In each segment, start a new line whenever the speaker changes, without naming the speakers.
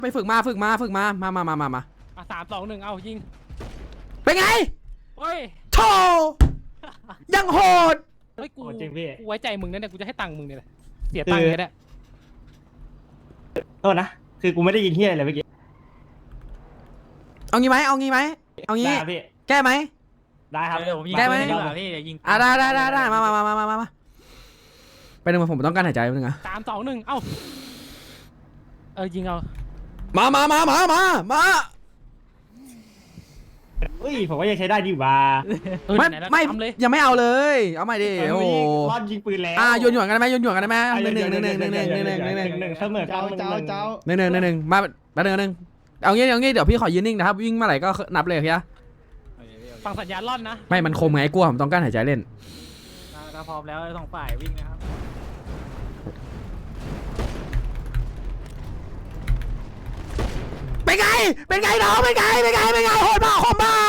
ไปฝึกมามา
3-2-1เอายิง
เป็นไง
เฮ้ย
โธ่ยังโหด
เฮ้ยกูไว้ใจมึงนะเนี่ยกูจะให้ตังค์มึงเนี่ยเสียตังค์เลยเนี่ย
โทษนะคือกูไม่ได้ยิงเฮียอะไรเมื่อกี้
เอางี้ไหมแก้ไหม
ได้ครับ
แก้ไหม
พี่ยิง
ได้มาไปหนึ่งผมต้องการหายใจนึงอะ
3-2-1เอ้ายิงเอา
มา
เฮ้ยผมว่ายังใช้ได้ดีกว่า
ไม่ยังไม่เอาเลยเอาใหม่ดิโอ้
รอดยิงปืนแล้ว
โยนกันได้ไหมหนึ่ง
เสมอกัน
หนึ่งมาหนึ่งเอางี้เดี๋ยวพี่ขอยืนนิ่งนะครับวิ่งเมื่อไหร่ก็นับเลยพี่
ฟังสัญญาณล่อนนะ
ไม่มันคมไงกลัวผมต้องการหายใจเล่น
ถ้าพร้อมแล้วต้องฝ่ายวิ่งนะครับ
เป็นไงน้องเป็นไงโหดเปล่าคมเปล่า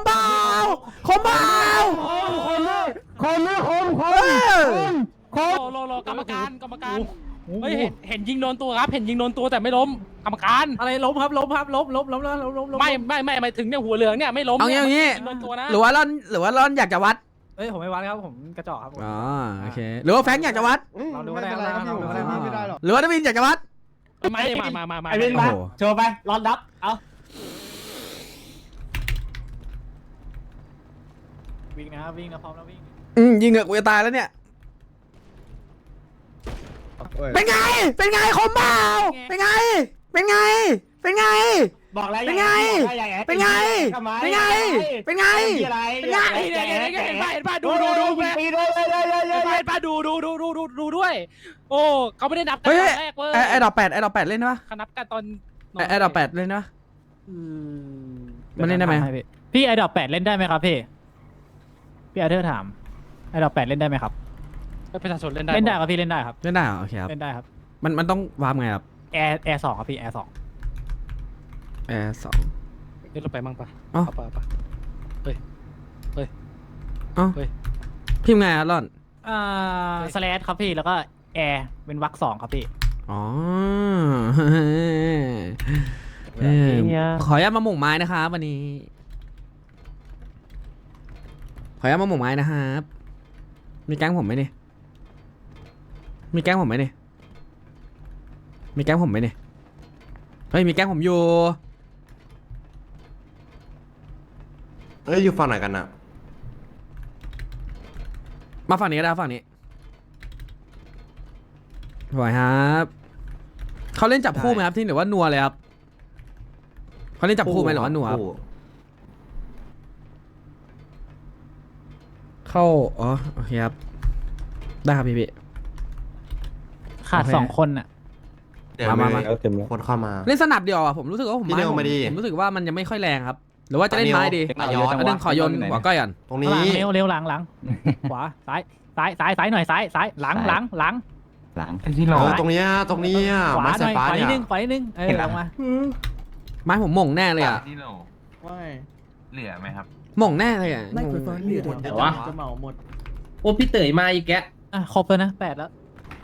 โลกรรมการเฮ้ยเห็นยิงโดนตัวครับเห็นยิงโดนตัวแต่ไม่ล้มกรรมการ
อะไรล้มครับล้ม
ไม่ถึงเนี่ยหัวเหลืองเนี่ยไม่ล้ม
เอางี้หรือว่าร่อนอยากจะวัด
เฮ้ยผมไม่วัดครับผมกระจอกครับ
อ๋อโอเคหรือว่าแฟงอยากจะวัด
ไม่ได้หรอก
หรือว่าดวินอยากจะวัด
มาไอ้
เบนมาโชว์ไปร้อนดับเอา
วิ่งนะพร้อมแล้ววิ่ง
ยิงเหอะกูจะตายแล้วเนี่ยเป็นไงคมเปล่าเป็นไง
บอกแล้ว
เป็นไงเห็น
ป่ะดูด้วยโอ้เขาไม่ได้นับ
กันแรกเว้ยไอ้ดอกแปดเล่นปะ
เขานับกันตอน
ไอ้ดอกแปดเล่นปะมันเล่นได้ไหม
พี่ไอ้ดอก8เล่นได้ไหมครับพี่อาเธอร์ถามไอ้ดอก8เล่นได้ไหมครับ
ประชาชนเล่นได้
ครับพี่เล่นได้ครับ
โอเคครับ
เล่นได้ครับ
มันต้องวางไงครับ
แอร์2ครับพี่แอร์2
เล่นลงไปมั่งปะปะเฮ้ย
พิมพ์ไงร่อน
สแลชครับพี่แล้วก็แอร์เป็นวรรค2ครับพี่
อ๋อขออนุญาตมาหม่งไม้นะครับวันนี้ขออนุญาตมาหม่งไม้นะครับมีแก๊งผมไหมเนี่ยเฮ้ยมีแก๊งผมอยู่
อยู่ฝั่งไหนกันอะ
มาฝั่งนี้ก็ได้ฝั่งนี้สวยครับเขาเล่นจับคู่ไหมครับที่หรือว่านัวเลยครับเขาเล่นจับคู่ไหมหรือว่านัวครับเข้าอ๋อโอเคครับได้ครับพี่
ขาด2คนอ่ะ
มา
คนเข้ามา
เล่นสนับเดียวอ่ะผมรู้สึกว่าผมรู้สึกว่ามันยังไม่ค่อยแรงครับหรือว่าจะเล่นไม้ดีอันนึงขอโยนหัวก้อยก่อน
ตรงนี้
เร็วหลังขวาซ้ายหน่อยซ้ายหลัง
ที่เราตรงนี้
ขวาหน่อยขวานิดนึงลงมา
ไม้ผมหม่งแน่เลยอ่ะ
เหลือไหมครับ
หม่งแน่เลยอ่ะ
ไม่เคยฟังเรื่อง
แต่ว่า
จะเหมาหมด
โอ้พี่เต๋ยมาอีกแก
ครบแล้วนะ8แล้ว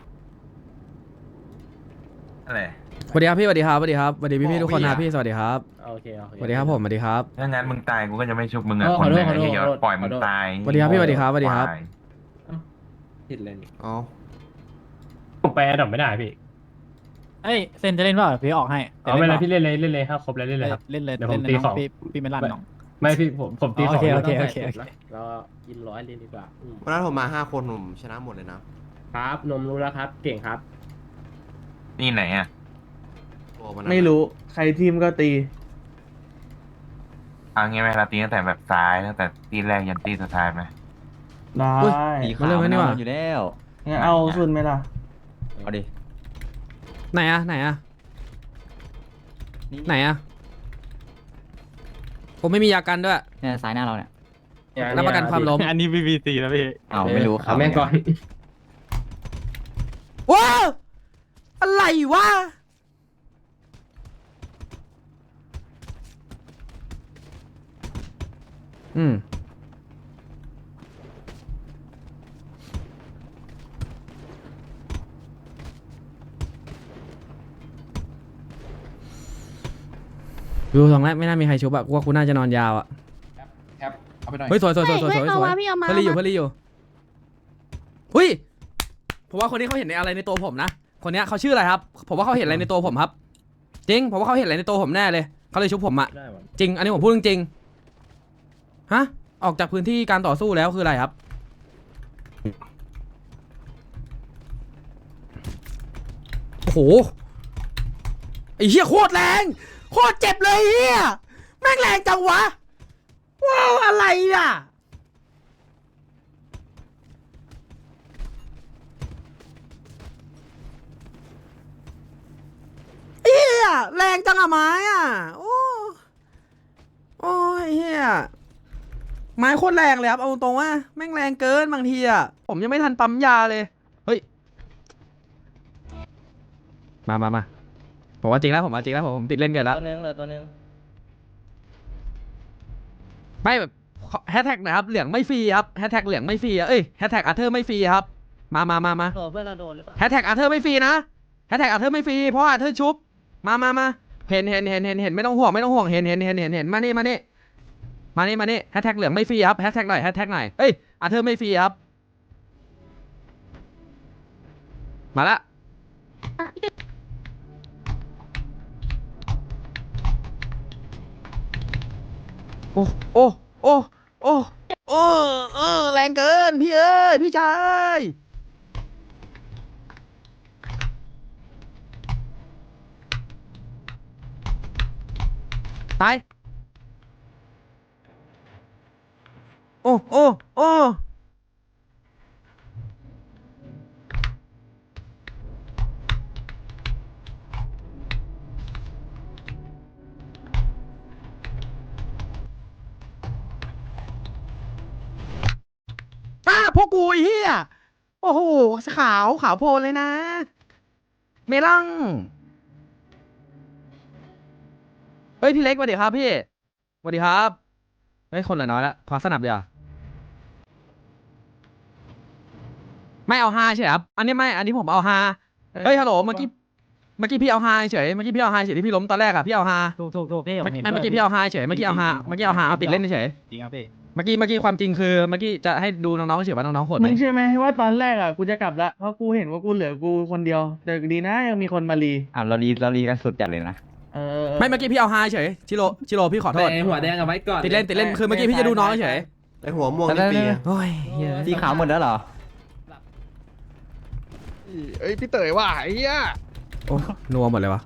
อะไร
สวัสดีครับพี่สวัสดีพี่ทุกคนนะพี่สวัสดีครับ
โอเค
สวัสดีครับผมสวัสดีครับ
ถ้างั้นมึงตายกูก็จะไม่ชุบมึงอ่ะคนไหนที่ยอดปล่อยมึงตาย
สวัสดีครับพี่สวัสดีครับ
ผิดเลยอ๋อ
ผมไปดับไม่ได้พี่
เซนจะเล่นเปล่าพี่ออกให้
ไม่เป็นไรพี่เล่นเลยครับครบแล้วเล่นเลยครับ
เล่นเลย
เดี๋ยวผมตีของ
พี่ไม่ลั่นน้อง
ไม่พี่ผมตีของ
โอเค
เรากิน100เลยดีกว่า
วันนั้นผมมา5 คนผมชนะหมดเลยนะครับ
นมรู้แล้วครับเก่งครับนี่ไหนอ่ะ
ไม่รู้ใครทีมก็ตี
เอางี้ไหมเราตีตั้งแต่แบบซ้ายตั้งแต่ตีแรกยันตีสุดท้ายไหม
ได้
มาเรื่องนี้ว่ะ
อยู่แล้วงั้นเอาสุดไหมล่ะ
เอาดิ
ไหนอะผมไม่มียากันด้วย
เนี่ยซ้ายหน้าเราเนี่ย
รับประกันความล้ม
อันนี้ BBC นะพี่
ไม่รู้
ครับแม่งก่อน
ว้าอะไรวะดูตรงนั้นไม่น่ามีใครชุบอะกูว่ากูน่าจะนอนยาวอะ
เอาไปหน่อย
เฮ้ยสวยสวยสวยสวยสวย
เฮ้ยเอามาพี่เอามา
เพื่อนรีอยู่เพื่อนรีอยู่หุ้ยผมว่าคนนี้เขาเห็นอะไรในตัวผมนะคนเนี้ยเขาชื่ออะไรครับผมว่าเขาเห็นอะไรในตัวผมครับจริงผมว่าเขาเห็นอะไรในตัวผมแน่เลยเขาเลยชุบผมอะจริงอันนี้ผมพูดจริงๆฮะออกจากพื้นที่การต่อสู้แล้วคืออะไรครับโอ้โหไอ้เหี้ยโคตรแรงโคตรเจ็บเลยเหี้ยแม่งแรงจังวะว้าวอะไรอ่ะเฮียแรงจังอะไม้อ่ะโอ้ยเฮียไม้โคตรแรงเลยครับเอาตรงว่าแม่งแรงเกินบางทีอ่ะผมยังไม่ทันปั๊มยาเลยเฮ้ยมาผมว่าจริงแล้วผมว่าจริงแล้วผมติดเล่นเกินแล้ว
ตัวนึงเหลือตัวนึง
ไม่แบบแฮชแท็กนะครับเหลืองไม่ฟรีครับแฮชแท็กเหลืองไม่ฟรีเอ้ยแฮชแท็กอาร์เธอร์ไม่ฟรีครับมา
โดนเพื่อนเราโดนหรือเปล่า
แฮชแท็กอาร์เธอร์ไม่ฟรีนะแฮชแท็กอาร์เธอร์ไม่ฟรีเพราะอาร์เธอร์ชุบมาเห็นไม่ต้องห่วงเห็นมานี่แฮชแท็กเหลืองไม่ฟรีครับแฮชแท็กหน่อยเอ้ยอาร์เธอร์ไม่ฟรีครับมาละโอ้แรงเกินพี่เอ้ยพี่ชายตายโอ้พวกกูไอ้เหี้ยโอ้โหขาวโพลนเลยนะเมลังเฮ้ยพี่เล็กสวัสดีครับพี่สวัสดีครับเฮ้ยคนเหลือน้อยละขอสนับเดี๋ยวไม่เอาฮาใช่ครับอันนี้ผมเอาฮาเฮ้ยฮัลโหลเมื่อกี้พี่เอาฮาเฉยที่พี่ล้มตอนแรกอะพี่เอาฮา
ถูกพี่ผมเห็น
ไม่เมื่อกี้พี่เอาฮาเฉยเมื่อกี้เอาฮาเอาติดเล่นเฉย
จริงครับพี่
เมื่อกี้ความจริงคือเมื่อกี้จะให้ดูน้องๆเฉยว่าน้องๆโหดไห
มึ
ม
งเชื่อไหมว่าตอนแรกอ่ะกูจะกลับละเพราะกูเห็นว่ากูเหลือกูคนเดียวแต่ดีนะยังมีคนมารี
เรารีกันสุดจัดเลยนะ
ไม่เมื่อกี้พี่เอาฮาเฉยชิโร่พี่ขอโทษ
หัวแดงเอาไว้ก่อน
ติดเล่นคือเมื่อกี้พี่จะดูน้องเฉย
ไอหัวม่วงนี่ปีอะ
โอ้ยเหี้ย
สีขาวหมดแล้วเหรอ
เอ้ยพี่เต๋อว่ะไอ้เหี้ย
โอ้นัวหมดเลยวะ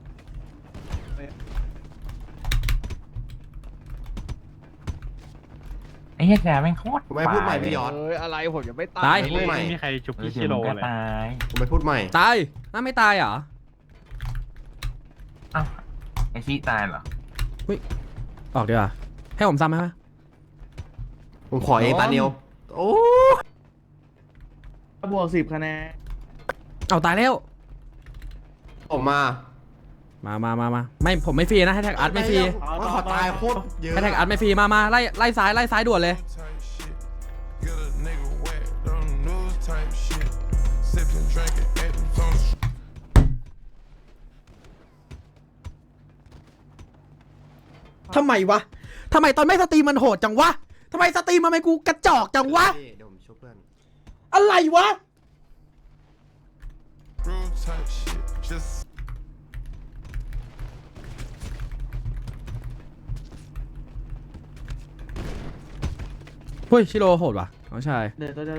ไอ้เหี้ยแกแม่งโคตร
ผมไม่พูดใหม่พี่ยอด
เอ้ยอะไรผมยังไม่ตาย
ตาย
พูดใหม่
ไม่มีใครชุบพี่ชิโร่เลยตาย
ผมไม่พูดใหม่
ตายน่าไม่ตายเหรอ
อ้าวไอชิตายเหรอ
ออกดีกว่าให้ผมซ้ำไหม
ผมขอเองตาเนียวโอ้
บวก10 คะแนน
เอาตายแล้ว
ผมมา
ไม่ผมไม่ฟรีนะให้แท็กอาร์ตไม่ฟรี
ว่าขอตายโคตรเยอะ
ให้แท็กอาร์ตไม่ฟรีมาไล่ซ้ายด่วนเลยทำไมวะทำไมตอนไม่สตรีมมันโหดจังวะทำไมสตรีมมันไม่กูกระจอกจังวะ
เดี๋ยวผมช่วยเพื่อน
อะไรวะเฮ้ยชิโร่โหดว่ะน้องชาย
เดี๋ยวตัวเดียว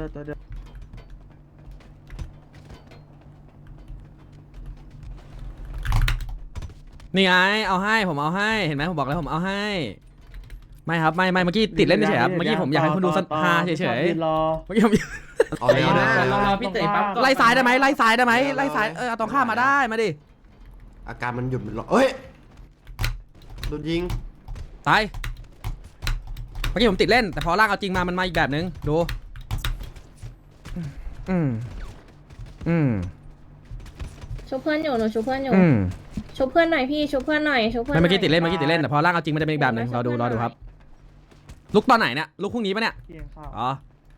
นี่ไงเอาให้ผมเอาให้เห็นไหมผมบอกแล้วผมเอาให้ไม่ครับไม่เมื่อกี้ติดเล่นเฉยครับเมื่อกี้ผมอยากให้คนดูฮาเฉย
ยืนรอ
เมื่อกี้ผม
เอาเลยนะ
รอพี่เต๋อปั๊บก่อน
ไล่ซ้ายได้ไหมไล่ซ้ายเอาตรงข้ามมาได้มาดิ
อาการมันหยุดมันรอเอ้ยโดนยิง
ตายเมื่อกี้ผมติดเล่นแต่พอลากเอาจริงมามันมาอีกแบบนึงดู
ชุบเพื่อนอยู่หนูชุบเพื่อนอยู่ชุบเพื่อนหน่อยพี่ชุบเพื่อนหน่อยชุบเพื่อน
ไม่เมื่อกี้ติดเล่นแต่พอลากเอาจริงมันจะเป็นอีกแบบนึงรอดูครับ ลุกตอนไหนเนี่ยลุกพรุ่งนี้ปะเนี่ย
เกียงข้าว
อ๋อ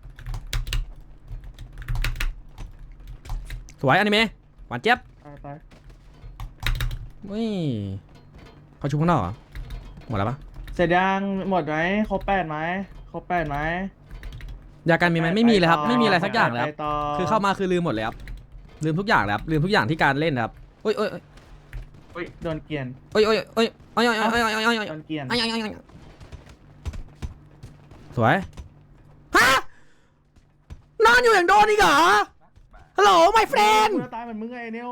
สวยอนิเมะหวานเจี๊ยบ
ตาย
อุ้ยเขาชุบข้างนอกเหรอหมดแล้วปะ
เสร็จยังหมดไหมครบ8ไหมครบ8ไหม
ยาการมีไหมไม่มีเลยครับ ไม่มีอะไรสักอย่างเลยครับ
ไปต่
คือเข้ามาคือลืมหมดเลยครับลืมทุกอย่างเลยครับลืมทุกอย่างที่การเล่นครับโอ้ยโอ้ย
โดนเกลียน
โอ้ยโอ้ยโอ้ยโอ้ยโอ้ยโอ้ยโอ้ยโอ้ยโอ้ย
โดนเกลียน
สวยฮะนอนอยู่อย่างโดนอีกเหรอฮัลโหล my friend
กูจะตายเหมือนมึงไงเนว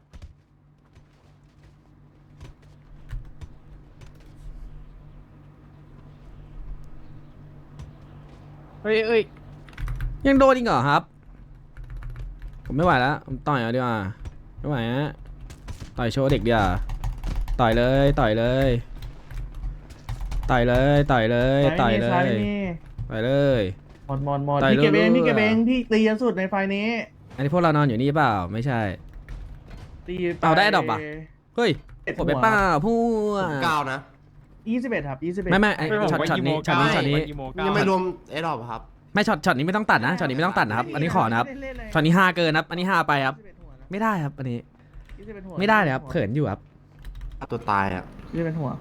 เฮ้ย
ยังโดนอีกเหรอครับ ผมไม่ไหวแล้วผมต่อยเอาดีกว่าไม่ไหวฮะต่อยโชว์เด็กดีกว่าต่อยเลยต่อยเลยต่อยเลยต่อยเลยต่อยเล
ซ้าย
ย
ไม่มี
ต่อยเลย
หมด
ต่อย
พี่เก็บเอง
รัวๆ
พี่เก็บเองพี่ตียันสุดในไฟนี้
อันนี้พวกเรานอนอยู่นี่เปล่าไม่ใช่
ตีป
เอาได้ดอกปะ เฮ้ยผมไปเปล่าพวก
9 นะ
21ครับ21
ไม่ไอ้ช็อตนี้ช็อตนี้ช็อตนี้
ยังไม่รวมไอ้ดอกครับ
ไม่ช็อตนี้ไม่ต้องตัดนะช็อตนี้ไม่ต้องตัดนะครับอันนี้ขอนะครับช็อตนี้5เกินครับอันนี้5ไปครับไม่ได้ครับอันนี้ไม่ได้เลยครับเขินอยู่ครับ
ตัวตายอ่ะ
21หัว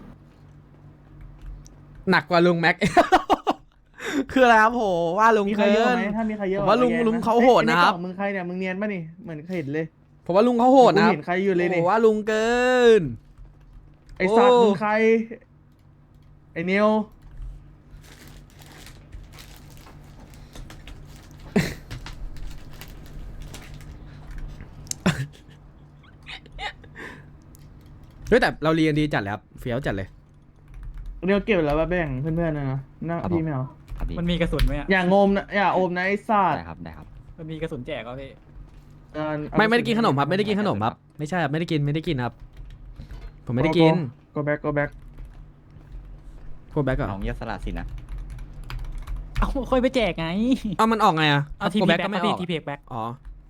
หนักกว่าลุงแม็ก คืออะไรครับโหว่าลุง
มีใคร
เกิ
เยอะ
น
ไหมถ้ามีใครเยอะ
ผมว่าลุง
แยกนะ
ลุงเขาโหดนะครับ
ไอ้ในกล่องมึงใครเนี่ยมึงเนียนป่ะนี่เหมือนเคยเห็นเลย
ผมว่าลุงเขาโหดนะครับ
กูเห็นใครอยู่เลยนี่
โอ้ว่าลุงเกิน
ไอ้สัตว์
โอ้
มึงใครไอ้เนียว
เฮ้ยแต่เราเรียนดีจัดเลยครับเฟี้ยวจัดเลย
เนียวเก็บแล้วว่าแบ่งเพื่อนๆนะนะนั่งพี่ไม่เอา
มันมีกระสุนไหมอ่ะ
อย่างงมนะอย่าอมนะไอ้สัตว์
มันมีกระสุนแจกก็พี่
ไม่ได้กินขนมครับไม่ได้กินขนมครับไม่ใช่ครับไม่ได้กินครับ ผมไม่ได้กิน
go back go back
โคแบ็กเหรอ
ของยศละสินะ
เอาค่อยไปแจกไง
เอามันออกไงอะ
เอาที
โค
พี
แบ็ก
แบ็
ก็
ก
ไม่ออก
ทีพีแบ็ก
อ๋อ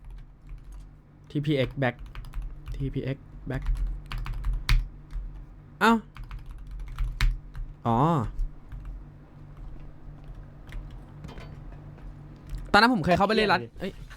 TPX back TPX back เอ้าอ๋อตอนนั้นผมเคยเข้าไปเล่นรัดเอ้ย